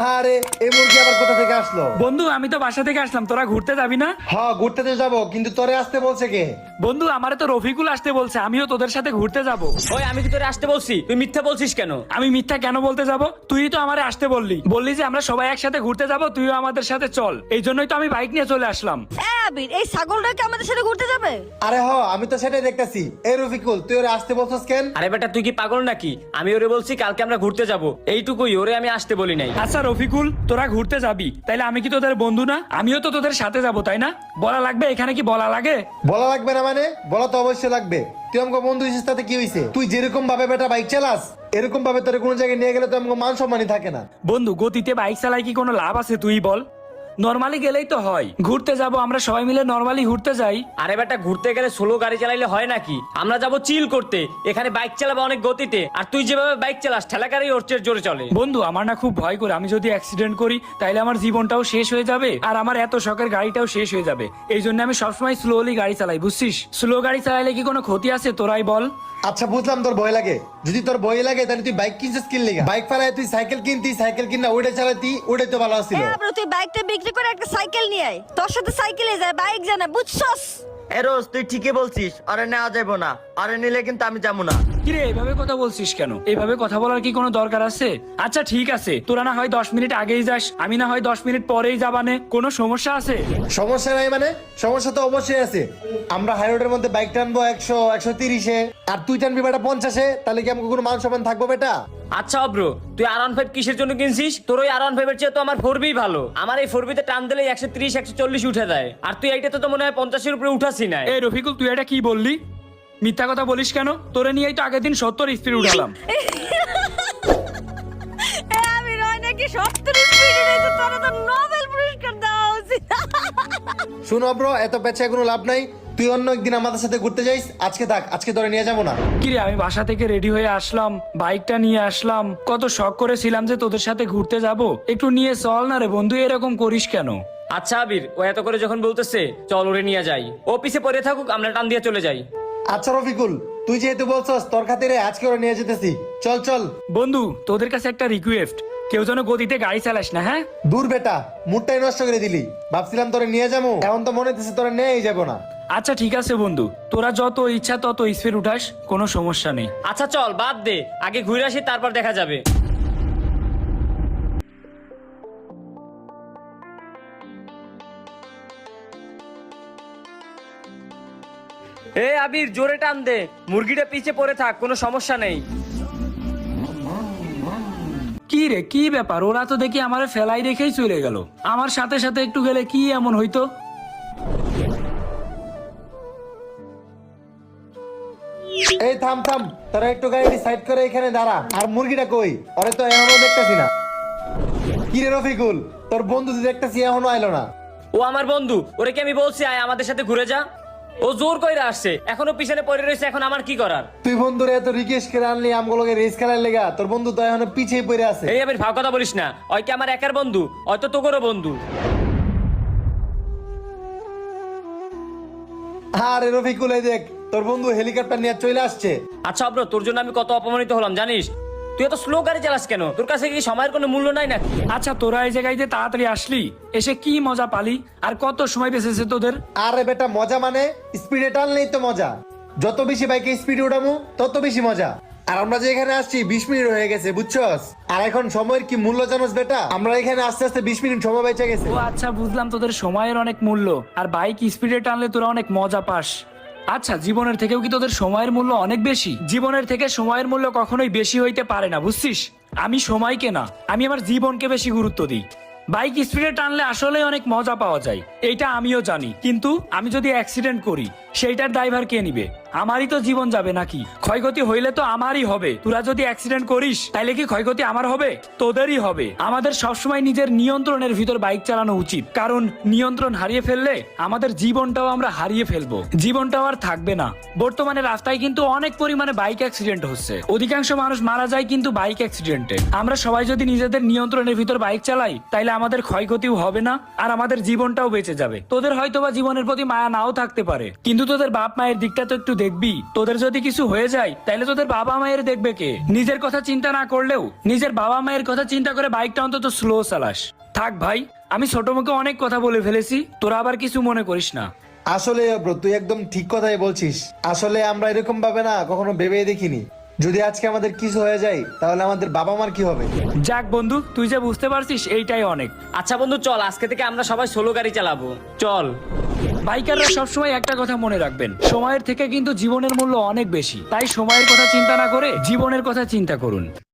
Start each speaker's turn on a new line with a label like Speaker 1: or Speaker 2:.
Speaker 1: আরে এই মুরগি আবার কোথা থেকে আসলো?
Speaker 2: বন্ধু আমি তো বাসা থেকে আসলাম, তোরা ঘুরতে যাবি না?
Speaker 1: হ্যাঁ ঘুরতে তো যাবো, কিন্তু তোরে আসতে বলছে কে?
Speaker 2: বন্ধু আমারে তো রফিকুল আসতে বলছে, আমিও তোদের সাথে ঘুরতে যাব।
Speaker 3: ওই আমি কি তোরে আসতে বলছি? তুই মিথ্যা বলছিস কেন?
Speaker 2: আমি মিথ্যা কেন বলতে যাব? তুই তো আমারে আসতে বললি যে আমরা সবাই একসাথে ঘুরতে যাব, তুইও আমাদের সাথে চল। এই জন্যই তো আমি বাইক নিয়ে চলে আসলাম।
Speaker 4: আবির, এই ছাগলটা কি আমাদের সাথে ঘুরতে যাবে?
Speaker 1: আরে আমি তো সেটাই দেখতেছি। এই রফিকুল, তুই ওরে আসতে বলছিস কেন?
Speaker 3: আরে বেটা তুই কি পাগল নাকি? আমি ওরে বলছি কালকে আমরা ঘুরতে যাব, এইটুকুই। ওরে আমি আসতে বলি নাই।
Speaker 2: আচ্ছা রফিকুল, তোরা ঘুরতে যাবি, তাইলে আমি কি তোদের বন্ধু না? আমিও তো তোদের সাথে যাব, তাই না? বলা লাগবে? এখানে কি বলা লাগে?
Speaker 1: বলা লাগবে না মানে? বলা তো অবশ্যই লাগবে। তুই আমাকে বন্ধু হিসেবে তাতে কি হয়েছে? তুই যেরকম ভাবে বেটা বাইক চালাস, এরকম ভাবে তোর কোনো জায়গায় নিয়ে গেলে তো আমাকে মান সম্মানই থাকে না।
Speaker 2: বন্ধু গতিতে বাইক চালাই কি কোনো লাভ আছে তুই বল? নরমালি গেলেই তো হয়। ঘুরতে যাব আমরা সবাই মিলে, নরমালি ঘুরতে যাই।
Speaker 3: আরে বেটা ঘুরতে গেলে স্লো গাড়ি চালাইলে হয় নাকি? আমরা যাব চিল করতে, এখানে বাইক চালাবো অনেক গতিতে। আর তুই যেভাবে বাইক চালাস ঠেলা গাড়ি ওর চেয়ে জোরে চলে।
Speaker 2: বন্ধু আমার না খুব ভয় করে, আমি যদি অ্যাক্সিডেন্ট করি তাইলে আমার জীবনটাও শেষ হয়ে যাবে, আর আমার এত শখের গাড়িটাও শেষ হয়ে যাবে। এই জন্য আমি সবসময় স্লোলি গাড়ি চালাই, বুঝছিস? স্লো গাড়ি চালাইলে কি কোনো ক্ষতি আছে তোরাই বল?
Speaker 1: আচ্ছা বুঝলাম তোর ভয় লাগে। যদি তোর ভয় লাগে তাহলে তুই বাইক কিনছিস কিন লেগা? বাইক ফেলায় তুই সাইকেল কিনতি, সাইকেল কিনা ওইটা চালাতি, ওইটাই তো ভালো ছিল।
Speaker 4: আবির, তুই বাইকটা বিক্রি করে একটা সাইকেল নিয়ে আয়। তোর সাথে সাইকেলে যায়, বাইক জানা, বুঝছস?
Speaker 5: রোজ তুই ঠিকই বলছিস, আরে নেওয়া যাবো না, আরে নিলে কিন্তু আমি যাবো না।
Speaker 2: কিরে এইভাবে কথা বলছিস কেন? এইভাবে কথা বলার কি কোনো দরকার আছে? আচ্ছা ঠিক আছে, তোরা না হয় 10 মিনিট আগেই যাস, আমি না হয় 10 মিনিট পরেই যাবানে, কোনো সমস্যা আছে?
Speaker 1: সমস্যা নাই মানে? সমস্যা তো অবশ্যই আছে। আমরা হাই রোডের মধ্যে বাইক টানবো 100 130-এ, আর তুই টানবি বেটা 50-এ, তাহলে কি আমাকে কোনো মান সম্মান থাকবো বেটা?
Speaker 3: আচ্ছা ব্রো, তুই R15 কিসের জন্য কিনছিস? তোর ওই R15 এর চেয়ে তো আমার 4B ভালো। আমার এই 4B তে টান দিলে 130 140 উঠে যায়, আর তুই এইটাতে তো মনে হয় 50 এর উপরে উঠাসি না।
Speaker 2: এই রফিকুল তুই এটা কি বললি? মিথ্যা কথা বলিস কেন? তোরে নিয়েই তো আগের দিন 70 স্পিড উঠালাম।
Speaker 4: আবির, হয় নাকি 70 স্পিডে রয়েছে? তোরা তো নোবেল পুরস্কার দেওয়া উচিত।
Speaker 1: শুনো ব্রো, এত পেছায় কোনো লাভ নাই। তুই অন্য একদিন আমাদের সাথে ঘুরতে যাইস, আজকে থাক, আজকে তোরে নিয়ে যাবো না।
Speaker 2: কিরে আমি বাসা থেকে রেডি হয়ে আসলাম, বাইকটা নিয়ে আসলাম, কত শখ করেছিলাম যে তোদের সাথে ঘুরতে যাব, একটু নিয়ে চল না রে বন্ধু, এরকম করিস কেন?
Speaker 3: আচ্ছা আবির, ও এত করে যখন বলতেছে চল ওরে নিয়ে যাই, ও পিছে পড়ে থাকুক, আমরা টান দিয়ে চলে যাই।
Speaker 1: আচ্ছা রফিকুল, তুই যেহেতু বলছস, তোর খাতিরে আজকে ওরে নিয়ে যেতেছি। চল চল।
Speaker 2: বন্ধু তোদের কাছে একটা রিকোয়েস্ট, কেউ যেন গতিতে গাড়ি চালাস না, হ্যাঁ?
Speaker 1: দূর বেটা, মুডটাই নষ্ট করে দিলি। ভাবছিলাম তোরে নিয়ে যাবো, এখন তো মনে হচ্ছে তোরে নিয়েই যাবো না।
Speaker 2: আচ্ছা ঠিক আছে বন্ধু, তোরা যত ইচ্ছা তত স্পিড উঠাস, কোনো সমস্যা নেই।
Speaker 3: আচ্ছা চল বাদ দে, আগে ঘুরে আসি তারপর দেখা যাবে। এ আবির জোরে টান দে, মুরগিটা পিছে পড়ে থাক, কোনো সমস্যা নেই।
Speaker 2: কি রে কি ব্যাপার? ওরা তো দেখি আমার ফেলাই রেখেই চলে গেল, আমার সাথে সাথে একটু গেলে কি এমন হইতো?
Speaker 1: এই থাম থাম, তোরা একটু গাড়ি সাইড করে এখানে দাঁড়া। আর মুরগিটা কই? ওরে তো এখনো দেখতেছি না। কি রে রফিকুল, তোর বন্ধু তো দেখতেছি এখনো আইলো না।
Speaker 3: ও আমার বন্ধু, ওরে কি আমি বলছি আয় আমাদের সাথে ঘুরে যা? ও জোর কইরা আসছে, এখনো পিছনে পড়ে রয়েছে, এখন আমার কি করার?
Speaker 1: তুই বন্ধুরে এত রিকোয়েস্ট করে আনলি আমগুলোকে রেস খেলার লেগা, তোর বন্ধু তো এখনো পিছিয়ে পড়ে আছে।
Speaker 3: এই আবির ভাব কথা বলিস না, ওই কি আমার একার বন্ধু? হয়তো তোকেরও বন্ধু।
Speaker 1: আরে রফিকুল, এই দেখ তোর বন্ধু হেলিকপ্টার নিয়ে চলে আসছে।
Speaker 3: আচ্ছা ব্রো, তোর জন্য আমি কত অপমানিত হলাম জানিস? তুই এত স্লো গাড়ি চালাস কেন? তোর কাছে কি সময়ের কোনো মূল্য নাই নাকি?
Speaker 2: আচ্ছা তোরা এই জায়গায় যে তাড়াতাড়ি আসলি, এসে কি মজা পালি? আর কত সময় বেঁচেছে তোদের?
Speaker 1: আরে বেটা মজা মানে স্পিডে টানলেই তো মজা। যত বেশি বাইকে স্পিডে উঠামু তত বেশি মজা। আর আমরা যে এখানে আসছি 20 মিনিট হয়ে গেছে, বুঝছস? আর এখন সময়ের কি মূল্য জানোস বেটা? আমরা এখানে আস্তে আস্তে 20 মিনিট সময় বেঁচে গেছে।
Speaker 2: ও আচ্ছা বুঝলাম, তোদের সময়ের অনেক মূল্য, আর বাইক স্পিডে টানলে তোরা অনেক মজা পাস। আচ্ছা জীবনের থেকেও কি তোদের সময়ের মূল্য অনেক বেশি? জীবনের থেকে সময়ের মূল্য কখনোই বেশি হইতে পারে না, বুঝছিস? আমি সময়কে না, আমি আমার জীবনকে বেশি গুরুত্ব দিই। বাইক স্পিডে টানলে আসলে অনেক মজা পাওয়া যায়, এইটা আমিও জানি, কিন্তু আমি যদি অ্যাক্সিডেন্ট করি সেইটার ড্রাইভার কে নিবে? আমারই তো জীবন যাবে নাকি? ক্ষয়ক্ষতি হইলে তো আমারই হবে। তোরা যদি অ্যাক্সিডেন্ট করিস তাইলে কি ক্ষয়ক্ষতি আমার হবে? তোদেরই হবে। আমাদের সবসময় নিজের নিয়ন্ত্রণের ভিতর বাইক চালানো উচিত, কারণ নিয়ন্ত্রণ হারিয়ে ফেললে আমাদের জীবনটাও আমরা হারিয়ে ফেলবো, জীবনটাও আর থাকবে না। বর্তমানে রাস্তায় কিন্তু অনেক পরিমাণে বাইক অ্যাক্সিডেন্ট হচ্ছে, অধিকাংশ মানুষ মারা যায় কিন্তু বাইক অ্যাক্সিডেন্টে। আমরা সবাই যদি নিজেদের নিয়ন্ত্রণের ভিতর বাইক চালাই তাইলে আমাদের ক্ষয়ক্ষতিও হবে না আর আমাদের জীবনটাও বেঁচে যাবে। তোদের হয়তোবা জীবনের প্রতি মায়া নাও থাকতে পারে, কিন্তু তোদের বাপ মায়ের দিকটা তো একটু দেখবি। তোদের যদি কিছু হয়ে যায় তাহলে তোদের বাবা মায়ের দেখবে কে? নিজের কথা চিন্তা না করলেও নিজের বাবা মায়ের কথা চিন্তা করে বাইকটা অন্তত স্লো চালাস। থাক ভাই, আমি ছোট মুখে অনেক কথা বলে ফেলেছি, তোরা আবার কিছু মনে করিস না।
Speaker 1: আসলে ব্রো তুই একদম ঠিক কথাই বলছিস। আসলে আমরা এরকম ভাবে না কখনো ভেবে দেখিনি, যদি আজকে আমাদের কিছু হয়ে যায় তাহলে আমাদের বাবা মার কি হবে।
Speaker 2: যাক বন্ধু, তুই যে বুঝতে পারছিস এইটাই অনেক।
Speaker 3: আচ্ছা বন্ধু চল, আজকে থেকে আমরা সবাই সোলো গাড়ি চালাবো, চল।
Speaker 2: বাইকাররা সবসময় একটা কথা মনে রাখবেন, সময়ের থেকে কিন্তু জীবনের মূল্য অনেক বেশি। তাই সময়ের কথা চিন্তা না করে জীবনের কথা চিন্তা করুন।